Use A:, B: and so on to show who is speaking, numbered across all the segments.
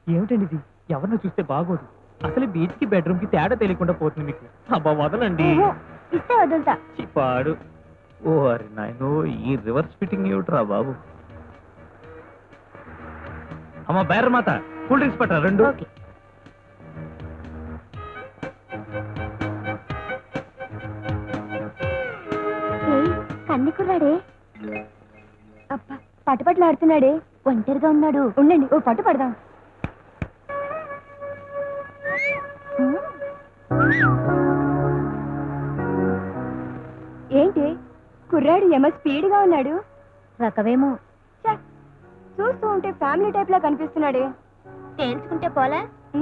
A: ఏమిటండి ఇది? ఎవరిని చూస్తే బాగోదు. అసలు బీచ్ కి బెడ్రూమ్ కి తేడా తెలియకుండా పోతుంది మీకు. అబ్బా వదలండి.
B: ఇస్తే వదులుతా.
A: చిపాడు. ఓ అరే నాయనో, ఈ రివర్స్ ఫిట్టింగ్ ఏమిట్రా బాబు. అమ్మ బేర మాత, కూల్ డ్రింక్స్ పట్టరా 2.
B: కన్ని కుర్రాడే. అబ్బా పట్టుపట్లాడుతున్నాడే, ఒంటరిగా ఉన్నాడు. ఉండండి ఓ పట్టు పడదాం. ఏంటి కుర్రాడు ఏమో స్పీడ్గా ఉన్నాడు. రకవేమో. చూస్తూ ఉంటే ఫ్యామిలీ టైప్ లా కనిపిస్తున్నాడే. తేల్చుకుంటే పోలే.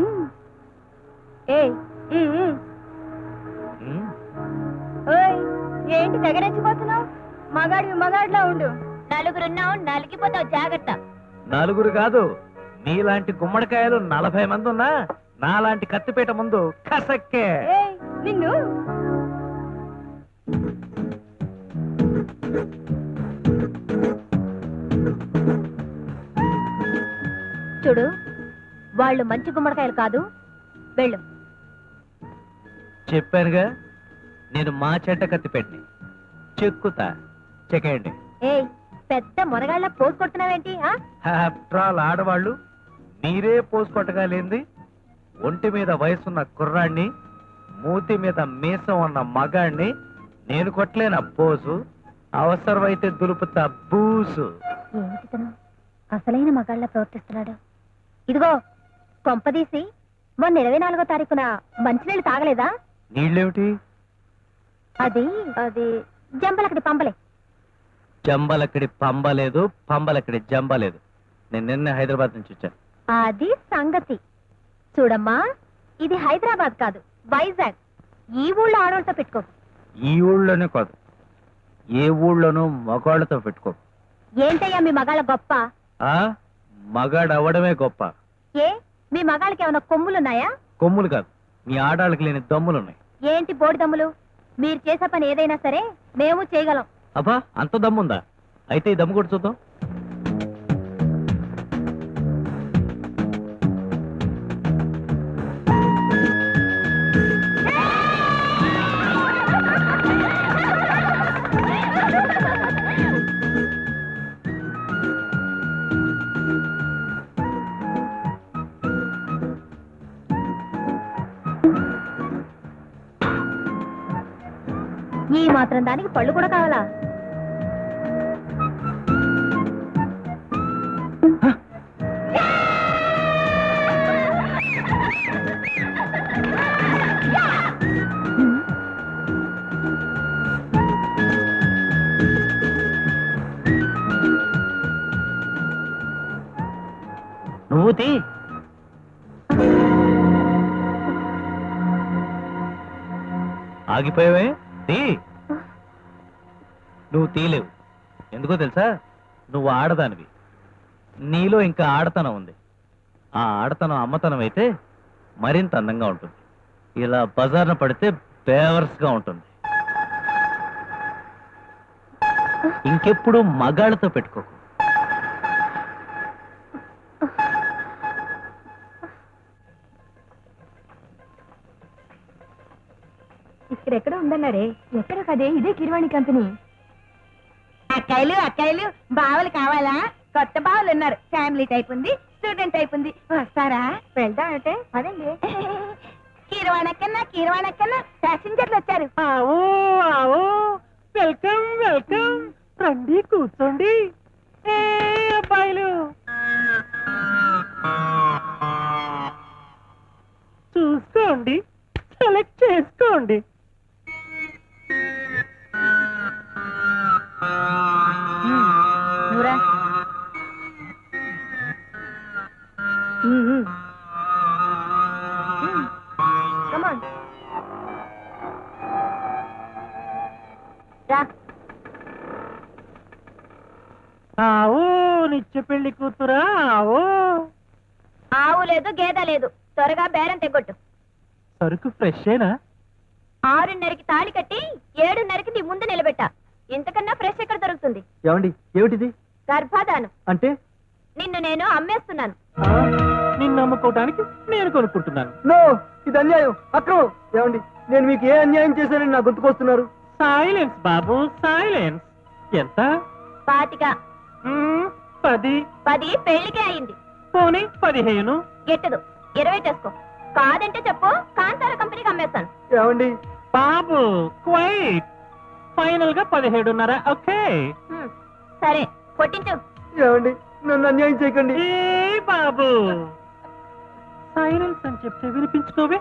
B: ఏంటి తెగరెచ్చిపోతున్నావు? మగాడిలా ఉండు. నలుగురున్నావు, నలిగిపోతావు, జాగ్రత్త.
A: నలుగురు కాదు, నీలాంటి గుమ్మడికాయలు 40 మంది ఉన్నా నాలాంటి కత్తిపేట ముందు కసక్కే.
B: నిన్ను చూడు, వాళ్ళు మంచి గుమ్మడికాయలు కాదు, వెళ్ళు.
A: చెప్పానుగా, నేను మా చెట్ట కత్తిపెట్టిని చెక్కుతా. చెక్కేయండి.
B: పెద్ద మునగాళ్ళ పోసు కొడుతున్నావేంటి?
A: ఆఫ్టర్ ఆల్ ఆడవాళ్ళు మీరే పోసు కొట్టగలేంది. ఒంటి మీద వయసున్న కుర్రాన్ని, మూతి మీద మీసం ఉన్న మగాణ్ణి నేను కొట్టలేన పోసు. అవసరమైతే దులుపుతా బూసు.
B: ఏమిటి అసలైన మగాళ్ళ ప్రవర్తిస్తున్నాడు? ఇదిగో కొంపదీసి మొన్న 24వ తారీఖున మంచినీళ్ళు తాగలేదా?
A: నీళ్ళేమిటి?
B: అది అది జంబలకడి పంపలే.
A: జంబలక్కడి పంబలేదు, పంబలక్కడి జంబలేదు. నేను నిన్న హైదరాబాద్ నుంచి వచ్చాను.
B: అది సంగతి. చూడమ్మా, ఇది హైదరాబాద్ కాదు, వైజాగ్. ఈ ఊళ్ళో ఆడవాళ్ళతో పెట్టుకో.
A: ఈ ఊళ్ళోనే కాదు, ఏ ఊళ్ళోనూ మగాళ్ళతో పెట్టుకో.
B: ఏంటయ్యా మీ మగాళ్ళ గొప్ప?
A: మగాడు అవ్వడమే గొప్ప.
B: ఏ మీ మగాళ్ళకి ఏమైనా కొమ్ములున్నాయా?
A: కొమ్ములు కాదు, మీ ఆడాళ్ళకి లేని దమ్ములున్నాయి.
B: ఏంటి బోడి దమ్ములు? మీరు చేసే పని ఏదైనా సరే మేము చేయగలం.
A: అబ్బా అంత దమ్ముందా? అయితే ఈ దమ్ము కూడా చూద్దాం.
B: ఈ మాత్రం దానికి పళ్ళు కూడా కావాలా?
A: నువ్వు తీ. ఆగిపోయావే, తీ. నువ్వు తీలేవు. ఎందుకో తెలుసా? నువ్వు ఆడదానివి. నీలో ఇంకా ఆడతనం ఉంది. ఆ ఆడతనం అమ్మతనం అయితే మరింత అందంగా ఉంటుంది. ఇలా బజార్న పడితే బేవర్స్గా ఉంటుంది. ఇంకెప్పుడు మగాళ్ళతో పెట్టుకోకు.
B: ఇక్కడెక్కడ ఉందన్నారే? ఎక్కడ కదే, ఇదే కిరవాణి కంపెనీ. అక్కాయిలు బావలు కావాలా? కొత్త బావలు ఉన్నారు. ఫ్యామిలీ టైప్ ఉంది, స్టూడెంట్ టైప్ ఉంది. వస్తారా? వెళ్దాం అంటే అదండి. కిరవాణక్కన్నా ప్యాసింజర్లు వచ్చారు.
A: వెల్కమ్ వెల్కమ్, రండి కూర్చోండి. అబ్బాయిలు చూసుకోండి, సెలెక్ట్ చేసుకోండి.
B: నూరా కమాన్ రా.
A: ఆవు నిత్య పెళ్లి కూతురా?
B: ఆవు లేదు, గేదె లేదు. త్వరగా బేరం తెగొట్టు.
A: సరుకు ఫ్రెషేనా?
B: 6:30కి తాళి కట్టి 7:30కి నీ ముందు నిలబెట్టా. ఇంతకన్నా ఫ్రెష్ ఎక్కడ దొరుకుతుంది?
A: ఏమండి, ఏమిటిది?
B: గర్భాధానం
A: అంటే
B: నిన్ను నేను అమ్మేస్తున్నాను.
A: నిన్ను
C: అమ్ముకోవడానికి నేను కొనుక్కుంటున్నాను.
D: నో, ఇది అన్యాయం, అక్రమం. ఏమండి, నేను మీకు ఏ అన్యాయం చేశానని నా గుర్తుకొస్తున్నారు?
C: సైలెన్స్ బాబు, సైలెన్స్. ఎంత?
B: 25.
C: 10.
B: 10 పెళ్లికే అయింది.
C: పోనీ 15.
B: గిట్టదు, 20 చేసుకో. కాదంటే చెప్పు, కాంతార కంపెనీకి అమ్మేస్తాను.
D: ఏమండి,
C: బాబు క్వైట్. ఫైనల్ గా 17.5. ఓకే.
B: సరే, కొట్టించు.
D: ఏమండి, నన్ను అన్యాయం చేయకండి.
C: ఏ బాబు, సైలెన్స్ అని చెప్తే వినిపించుకోవే.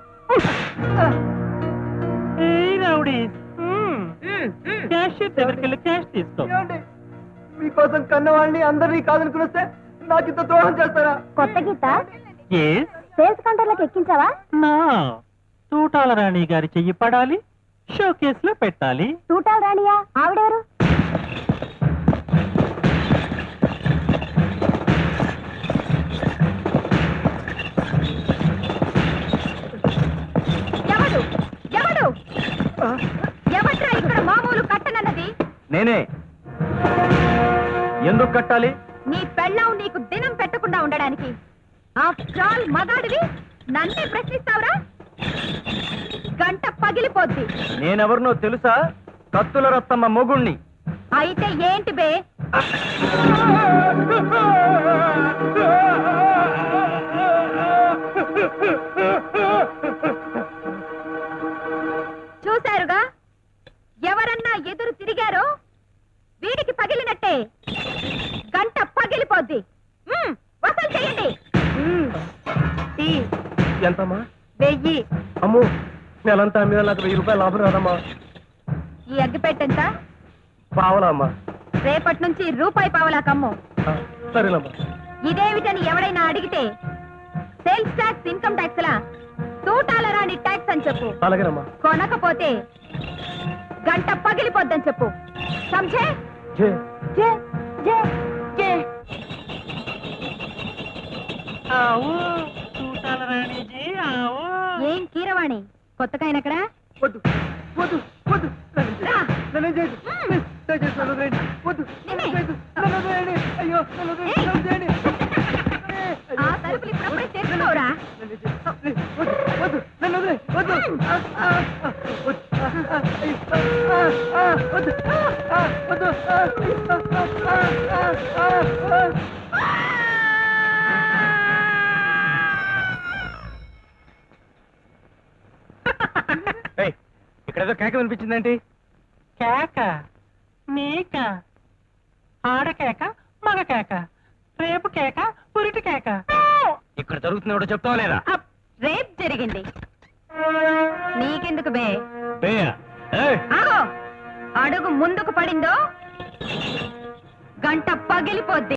C: ఏ రౌడీ, క్యాషియర్ దగ్గరికి వెళ్ళి క్యాష్ తీసుకో.
D: ఏమండి, మీకోసం కన్నవాళ్ళని అందరినీ కాదనుకుని వస్తే నాకు ఇంత ద్రోహం చేస్తారా?
B: కొత్త గీత సేల్స్ కౌంటర్లకు ఎక్కించావా?
C: నా తూటాల రాణి గారి చెయ్యి పడాలి, షో కేసులో పెట్టాలి.
B: తూటాలు రాణియా? ఆవిడెవరు? ఎవడు ఎవడు ఎవట్రా ఇక్కడ మామూలు కట్టనన్నది?
A: నేనే. ఎందుకు కట్టాలి?
B: నీ పెళ్ళాం నీకు దినం పెట్టకుండా ఉండడానికి. ఆఫ్టర్ ఆల్ మగాడివి నన్నే ప్రశ్నిస్తావురా? గంట పగిలిపోద్ది.
A: నేనెవరినో తెలుసా? కత్తుల రత్తమ్మ మొగుణ్ణి.
B: అయితే ఏంటి బే? చూశారుగా, ఎవరన్నా ఎదురు తిరిగారో వీడికి పగిలినట్టే. గంట పగిలిపోద్ది. వసూలు చేయండి.
A: ఎంతమ్మా?
B: 1000.
A: అమ్మో, నెలంతా మీద నాకు 1000 రూపాయలు లాభం రాదమ్మా.
B: ఈ అగ్గిపెట్టెంత?
A: పావలా అమ్మా.
B: రేపటి నుంచి రూపాయి పావలా కమ్ము.
A: సరేనమ్మా.
B: ఇదేమిటని ఎవడైనా అడిగితే సేల్స్ ట్యాక్స్, ఇన్కమ్ ట్యాక్స్ లా తూటాల రాని ట్యాక్స్ అని చెప్పు.
A: అలాగేనమ్మా.
B: కొనకపోతే గంట పగిలిపోద్దని చెప్పు. సమझे?
A: జే.
B: జే జే జే.
C: ఆవు తూటాల రాణిజీ, ఆవు.
B: ఏం కీరవాణి, కొత్తగా ఆయన అక్కడ?
D: వద్దు వద్దు వద్దు,
B: రా.
D: నన్ను చేయదు. ప్లీజ్, దయచేసి నన్ను వదిలేయండి. వద్దు, నన్ను చేయదు. నన్ను వదిలేయండి. అయ్యో, నన్ను వదిలేయండి. నన్ను చేయండి.
B: ఆ తలుపులు ఇప్పుడప్పుడే తెచ్చుకోరా?
D: నన్ను చేయదు. ప్లీజ్, వద్దు వద్దు, నన్ను వదిలేయ్. వద్దు. వద్దు. వద్దు. వద్దు.
A: ఏయ్, ఇక్కడేదో కేక వినిపించిందేంటి?
C: కేక నీక? ఆడ కేక, మగ కేక, రేపు కేక, పురిటి కేక.
A: ఇక్కడ జరుగుతుంది ఎవడో చెప్తావా లేదా?
B: అప్, రేప్ జరిగింది. నీకెందుకు బే?
A: బేయ. ఏయ్,
B: ఆగో, అడుగు ముందుకు పడిందో గంట పగిలిపోద్ది.